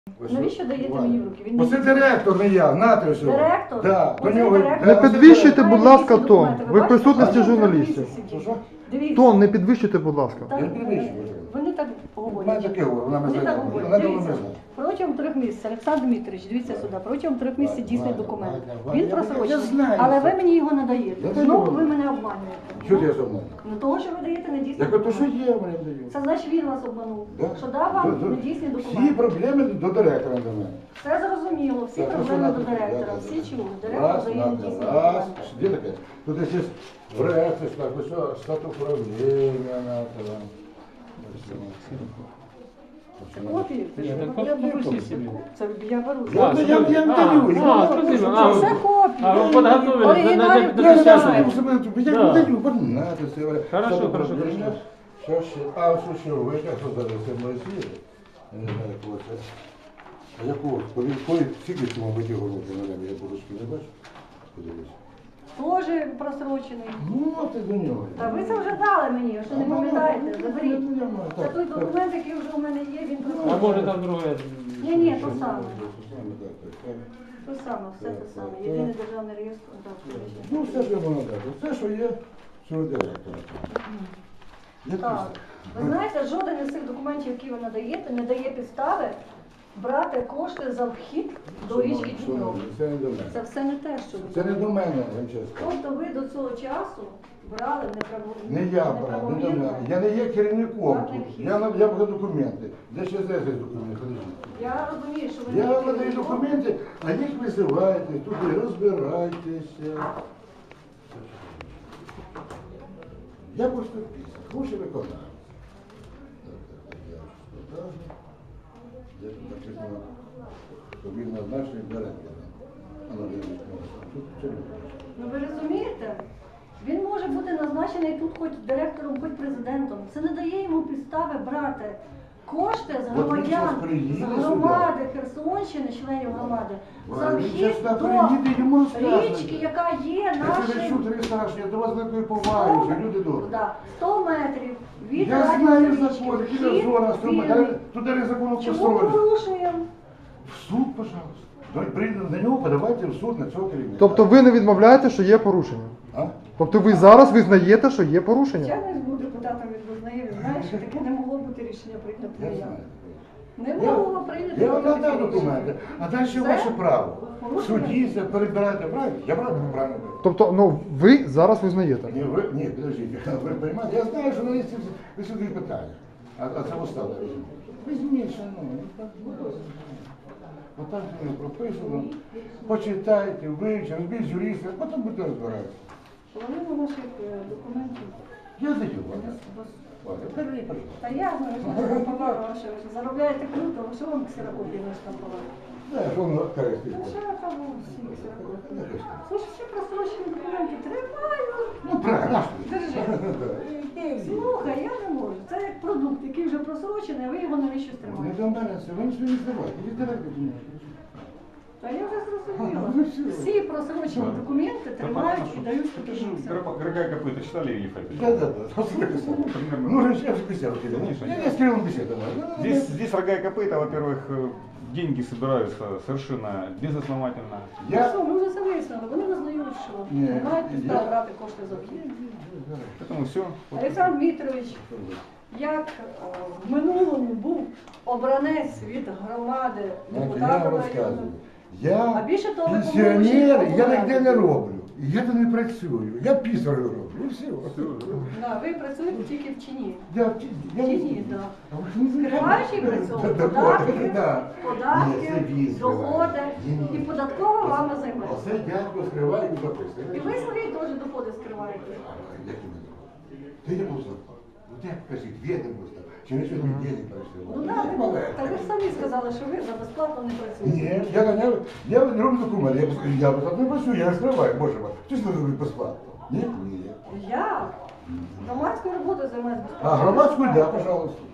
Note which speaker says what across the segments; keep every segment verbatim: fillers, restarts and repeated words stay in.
Speaker 1: Навіщо даєте мені в руки? Він
Speaker 2: Оце
Speaker 1: не-
Speaker 2: директор, не я, нате все.
Speaker 1: Директор?
Speaker 2: Да, до
Speaker 1: Оце
Speaker 2: нього...
Speaker 1: директор?
Speaker 2: да,
Speaker 3: Не
Speaker 2: оце
Speaker 3: підвищуйте,
Speaker 2: директор.
Speaker 3: будь ласка, тон.
Speaker 1: Документи,
Speaker 3: Ви в
Speaker 1: бачите?
Speaker 3: присутності
Speaker 1: Бачите,
Speaker 3: журналістів.
Speaker 1: три місяці.
Speaker 2: Що?
Speaker 1: Дивіться.
Speaker 3: Тон не підвищуйте, будь ласка.
Speaker 1: Так,
Speaker 2: Я не підвищую.
Speaker 1: Вони так
Speaker 2: Вона
Speaker 1: говорять.
Speaker 2: таке говорить, вона
Speaker 1: Вони
Speaker 2: мене
Speaker 1: так
Speaker 2: знає.
Speaker 1: говорять.
Speaker 2: Вона давно
Speaker 1: Дивіться,
Speaker 2: мене знає.
Speaker 1: протягом трьох місяців, Олександр Дмитрович, дивіться сюди, протягом трьох місяців дійсний
Speaker 2: Ваня,
Speaker 1: документ.
Speaker 2: Ваня, Ваня,
Speaker 1: Він
Speaker 2: я-
Speaker 1: просрочений,
Speaker 2: я знаю
Speaker 1: але
Speaker 2: це.
Speaker 1: ви мені його не даєте.
Speaker 2: Я
Speaker 1: Знову
Speaker 2: даю.
Speaker 1: ви мене обманюєте.
Speaker 2: Що ти я зовно?
Speaker 1: Ну того, що ви даєте недійсний
Speaker 2: Я кажу, то що
Speaker 1: документ.
Speaker 2: є, мене даю.
Speaker 1: Це значить він вас обманув.
Speaker 2: Да.
Speaker 1: Що дав вам
Speaker 2: До- до-
Speaker 1: недійсний
Speaker 2: Всі
Speaker 1: документ.
Speaker 2: проблеми до директора до мене.
Speaker 1: Все зрозуміло, всі
Speaker 2: Так, ну,
Speaker 1: проблеми
Speaker 2: що
Speaker 1: до
Speaker 2: надо?
Speaker 1: директора,
Speaker 2: Да, да,
Speaker 1: всі
Speaker 2: да.
Speaker 1: чули. Директор
Speaker 2: Раз,
Speaker 1: дає
Speaker 2: надо,
Speaker 1: недійсний
Speaker 2: раз.
Speaker 1: документ.
Speaker 2: Де таке? Тут є в реакції, так, ось о, статус управління, на це.
Speaker 1: Це копії? Це
Speaker 2: Ні,
Speaker 1: що?
Speaker 2: так я беру копію.
Speaker 1: Це я беру.
Speaker 2: Я, я, я, я не даю. я
Speaker 4: А,
Speaker 2: не
Speaker 4: спасибо.
Speaker 2: даю.
Speaker 4: А,
Speaker 1: Це копії.
Speaker 4: А, вы подготовились на- на-
Speaker 1: Оригіналі
Speaker 4: на-
Speaker 2: Я не
Speaker 4: Сейчас.
Speaker 2: знаю, я себе- я
Speaker 4: Да.
Speaker 2: не даю, бо надо це.
Speaker 4: Хорошо,
Speaker 2: Статус
Speaker 4: хорошо,
Speaker 2: управління.
Speaker 4: хорошо.
Speaker 2: Що ще? А, що ще ви, як що зараз це моє світ? Я не знаю, якого це. А якого? Коли, коли, скільки цьому биті головки на небі, я подушки не бачу? Подивись.
Speaker 1: Теж просрочений.
Speaker 2: Ну, ти до нього.
Speaker 1: Та ви це вже дали мені, що не пам'ятаєте, заберіть. Це
Speaker 2: Так,
Speaker 1: той
Speaker 2: так.
Speaker 1: документ, який вже у мене є, він
Speaker 4: А
Speaker 1: просрочений.
Speaker 4: может там другое?
Speaker 1: Ні, ні, то саме.
Speaker 2: Так, так, так.
Speaker 1: То саме, все те саме. Єдиний державний реєстр. так, звичайно.
Speaker 2: Ну, все, що воно дати. Все, що є, що директора. Я
Speaker 1: Так. Ви знаєте, жоден із цих документів, які ви надаєте, не дає підстави брати кошти за вхід до річки Дніпро.
Speaker 2: Це не до мене.
Speaker 1: Це все не те, що ви
Speaker 2: Це не
Speaker 1: говорите.
Speaker 2: до мене, Ганческа.
Speaker 1: Тобто ви до цього часу брали неправомірно.
Speaker 2: Не я брав, не до мене. Я не є керівником тут. Я на- я беру документи. Де ще зараз є документи? Подождіть.
Speaker 1: Я розумію, що ви
Speaker 2: Я
Speaker 1: не
Speaker 2: вам надаю
Speaker 1: керівником.
Speaker 2: документи, а їх висилайте, туди розбирайтеся. Я просто гроші виконаю. Я тут написано, що він назначений директором. А, ну, я не знаю. Тут це не бачу.
Speaker 1: Ну ви розумієте? Він може бути назначений тут хоч директором, хоч президентом. Це не дає йому підстави брати кошти з
Speaker 2: От він
Speaker 1: громадян,
Speaker 2: щас
Speaker 1: з
Speaker 2: приїде
Speaker 1: громади Херсонщини, членів громади, за
Speaker 2: Він
Speaker 1: вхід
Speaker 2: щас
Speaker 1: до
Speaker 2: приїде, йому розкажуть.
Speaker 1: річки, яка є
Speaker 2: Я тебе
Speaker 1: нашим
Speaker 2: чув, тобі страшно, я до вас такої поваги, що люди добрі.
Speaker 1: Да, сто метрів від
Speaker 2: Я
Speaker 1: радіо
Speaker 2: знаю
Speaker 1: річки.
Speaker 2: закон, які
Speaker 1: Вхід
Speaker 2: зона,
Speaker 1: вільний.
Speaker 2: туди не закону
Speaker 1: Чому
Speaker 2: построїть.
Speaker 1: порушуємо?
Speaker 2: В суд, пожалуйста. Прийде на нього, подавайте в суд на цього керівника.
Speaker 3: Тобто ви не відмовляєте, що є порушення?
Speaker 2: А?
Speaker 3: Тобто ви зараз визнаєте, що є порушення?
Speaker 1: Я не буду депутатом від визнає, він знає, що таке не могло бути рішення прийнято.
Speaker 2: Я
Speaker 1: не я.
Speaker 2: знаю.
Speaker 1: Не
Speaker 2: Я,
Speaker 1: могло прийняти.
Speaker 2: я вам
Speaker 1: таке
Speaker 2: надав
Speaker 1: рішення.
Speaker 2: документи, а далі
Speaker 1: Все?
Speaker 2: ваше право. В
Speaker 1: Порушення?
Speaker 2: суді це перебирайте правильно. Я правильно правильно. кажу?
Speaker 3: Тобто, ну ви зараз визнаєте?
Speaker 2: Ні, ви, ні, підождіть, ви розумієте, я знаю, що на листі ви сюди питання. А, а це осталось. Візьміть, шановні. Отак воно прописано. Почитайте, вивчите, розбіть з юриста, потім будете розбиратися.
Speaker 1: Половину наших е, документів.
Speaker 2: Я даю вам.
Speaker 1: вас-
Speaker 2: Валя, бери, пожалуйста.
Speaker 1: Та я знаю, що ви штампували, що ви заробляєте круто, а що вам ксерокопії не штампували?
Speaker 2: Да, що воно користується.
Speaker 1: А що я там всі ксерокопії? Слушай, всі просрочені документи тримаю.
Speaker 2: Ну, правильно, наш ти.
Speaker 1: Держи. Слухай, я не можу. Це як продукт, який вже просрочений, а ви його навіщо
Speaker 2: Не
Speaker 1: стримаєте?
Speaker 2: до мене це, ви нічого не здавайте, віддавайте до мене.
Speaker 1: Та я вже зрозуміла.
Speaker 2: Ну, все.
Speaker 1: Всі просрочені документи тримають і дають спокійно.
Speaker 5: Рога и копыта читали или
Speaker 2: Да, да, да. Ну, же я же беседу кидал. Я не с Кириллом беседовал.
Speaker 5: Здесь, здесь рога и копыта, во-первых, э, деньги собираются совершенно безосновательно.
Speaker 2: Я...
Speaker 1: Що, ми вже це вияснили. Вони визнають, що
Speaker 2: Ні,
Speaker 1: не мають підстав
Speaker 2: я-
Speaker 1: брати кошти за вхід.
Speaker 5: Поэтому все.
Speaker 1: Олександр Дмитрович, як е, в минулому був обранець від громади
Speaker 2: Я вам
Speaker 1: депутата району.
Speaker 2: розказую.
Speaker 1: А
Speaker 2: Я
Speaker 1: більше того, ви
Speaker 2: пенсіонер,
Speaker 1: помилуєте
Speaker 2: я ніде не
Speaker 1: обладнання.
Speaker 2: роблю. Я тут не працюю. Я пісарю роблю. І все.
Speaker 1: Да, ви працюєте тільки в чині.
Speaker 2: Я в ті- я
Speaker 1: В
Speaker 2: не
Speaker 1: чині,
Speaker 2: знаю.
Speaker 1: так.
Speaker 2: А ви ж не
Speaker 1: Скриваючи при цьому
Speaker 2: Да,
Speaker 1: податки,
Speaker 2: да. Ні, це
Speaker 1: податки,
Speaker 2: він скриває.
Speaker 1: доходи,
Speaker 2: Ні, ні.
Speaker 1: і податкова вами займається.
Speaker 2: Оце дядько скриває і записує.
Speaker 1: І ви свої теж доходи скриваєте.
Speaker 2: Як ти мене? Ти не був зарплату. Ну як кажіть, де не був там? Чи не сьогодні день не прийшли?
Speaker 1: Ну так, ви, та ви ж самі сказали, що ви за безплатно не працюєте.
Speaker 2: Ні, я ганяю, я роблю документи, я, без- я безплатно не працюю, я не скриваю, боже мой. Хтось не робить безплатно? Ні? Ні.
Speaker 1: Я громадською роботою займаюся безплатно.
Speaker 2: А громадську, да, пожалуйста.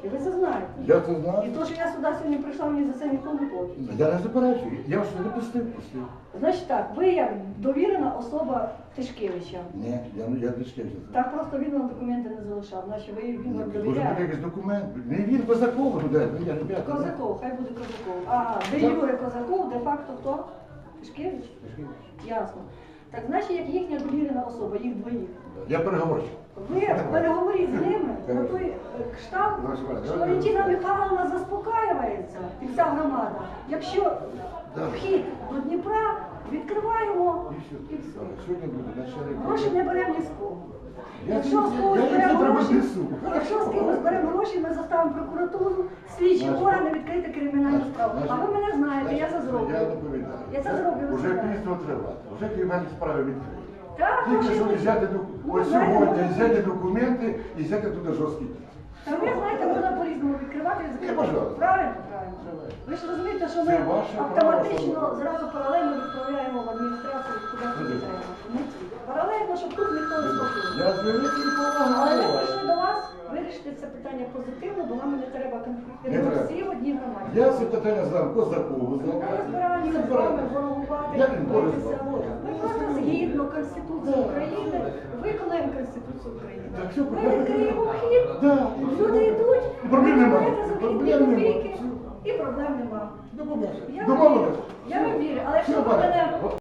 Speaker 1: І ви це знаєте.
Speaker 2: Я це
Speaker 1: І
Speaker 2: знаю.
Speaker 1: то, що я сюди сьогодні прийшла, мені за це ніхто не платить.
Speaker 2: Я не заперечую. Я вас не пустив, пустив.
Speaker 1: Значить так, ви як довірена особа Тишкевича.
Speaker 2: Ні, я, я не шківся.
Speaker 1: Так просто він вам документи не залишав, значить ви він вам
Speaker 2: Може бути
Speaker 1: довіряє.
Speaker 2: якийсь документ. Не він Козаков туди, ну я ребята.
Speaker 1: Козаков, хай буде Козаков. Ага, де Юрій Козаков, де-факто хто? Тишкевич? Ясно. Так значить, як їхня довірена особа, їх двоїх.
Speaker 2: Я переговорчик.
Speaker 1: Ви переговоріть з ними на той е, кшталт, що Валентина Михайловна заспокаюється і вся громада. Якщо вхід до Дніпра відкриваємо і все.
Speaker 2: Сьогодні буде начальник.
Speaker 1: Гроші не беремо ні з кого.
Speaker 2: Я
Speaker 1: Якщо з
Speaker 2: я-
Speaker 1: когось
Speaker 2: я їх
Speaker 1: беремо
Speaker 2: завтра
Speaker 1: гроші,
Speaker 2: віднесу.
Speaker 1: якщо з кимось беремо гроші, ми заставимо прокуратуру, слідчі
Speaker 2: Значить,
Speaker 1: органи відкрити кримінальну справу. А ви мене знаєте, я це
Speaker 2: Я
Speaker 1: зроблю.
Speaker 2: доповідаю.
Speaker 1: Я це зроблю. ви
Speaker 2: Уже
Speaker 1: знаєте.
Speaker 2: пісно тривати. Вже кримінальні справи відкриті.
Speaker 1: Так,
Speaker 2: Тільки
Speaker 1: гроші
Speaker 2: що
Speaker 1: будуть.
Speaker 2: взяти ду-
Speaker 1: Ну,
Speaker 2: ось
Speaker 1: знаєте,
Speaker 2: сьогодні,
Speaker 1: можна-
Speaker 2: взяти документи і взяти туди жорсткий дій.
Speaker 1: Та ви знаєте, можна по-різному відкривати і закривати.
Speaker 2: пожалуйста.
Speaker 1: Правильно? Правильно. Ви ж розумієте, що ми
Speaker 2: Це ваше
Speaker 1: автоматично
Speaker 2: право.
Speaker 1: зразу паралельно відправляємо в адміністрацію, куди
Speaker 2: Ну,
Speaker 1: куди треба. Ми Паралельно, щоб тут ніхто не слухав.
Speaker 2: Я з великим
Speaker 1: Але ми
Speaker 2: повагою.
Speaker 1: прийшли до вас вирішити це питання позитивно, бо нам не треба конфлікту.
Speaker 2: Не
Speaker 1: Ми
Speaker 2: треба.
Speaker 1: всі в одній громаді.
Speaker 2: Я це питання знав Козакову,
Speaker 1: Ми
Speaker 2: знав.
Speaker 1: не збираємося з вами ворогувати,
Speaker 2: Я не борюсь.
Speaker 1: битися. Ми просто згідно Конституції України виконаємо Конституцію України.
Speaker 2: Так що
Speaker 1: Ми
Speaker 2: проблем
Speaker 1: відкриємо
Speaker 2: нема.
Speaker 1: вхід,
Speaker 2: Да.
Speaker 1: люди йдуть,
Speaker 2: І проблем
Speaker 1: ви
Speaker 2: нема.
Speaker 1: берете за вхід
Speaker 2: Проблем
Speaker 1: дві
Speaker 2: нема.
Speaker 1: копійки, і проблем нема.
Speaker 2: Домовилися.
Speaker 1: Я вам вірю,
Speaker 2: Домовилися.
Speaker 1: я вам вірю, але якщо
Speaker 2: Все,
Speaker 1: ви
Speaker 2: пане.
Speaker 1: мене